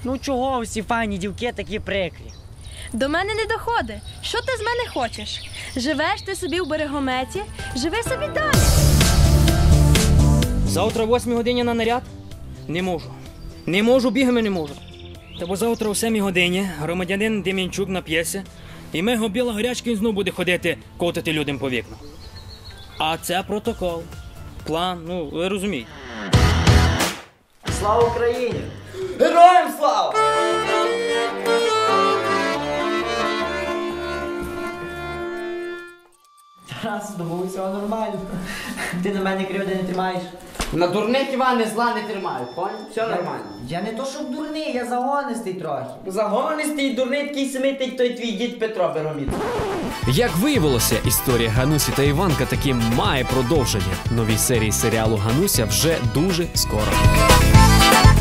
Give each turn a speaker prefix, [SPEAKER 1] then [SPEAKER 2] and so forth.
[SPEAKER 1] Ну чого всі файні дівки такі прикрі?
[SPEAKER 2] До мене не доходить. Що ти з мене хочеш? Живеш ти собі в Берегометі, живи собі далі.
[SPEAKER 3] Завтра о 8 годині на наряд? Не можу. Не можу, бігами не можу. Та бо завтра о 7 годині громадянин Дем'янчук нап'ється, і мего біла горячка він знов буде ходити, котити людям по вікнах. А це протокол. План, ну, ви розумієте.
[SPEAKER 1] Слава Україні!
[SPEAKER 4] Героям слава!
[SPEAKER 1] Тарас, з тобою все нормально. Ти на мене кривди не тримаєш.
[SPEAKER 4] На дурних Іване зла не тримаю, понял? Все нормально.
[SPEAKER 1] Я не то щоб дурний, я загонистий трохи.
[SPEAKER 4] Загонистий і дурний такий самий, той твій дід Петро Бероміт.
[SPEAKER 5] Як виявилося, історія Ганусі та Іванка таки має продовження. Нові серії серіалу «Гануся» вже дуже скоро.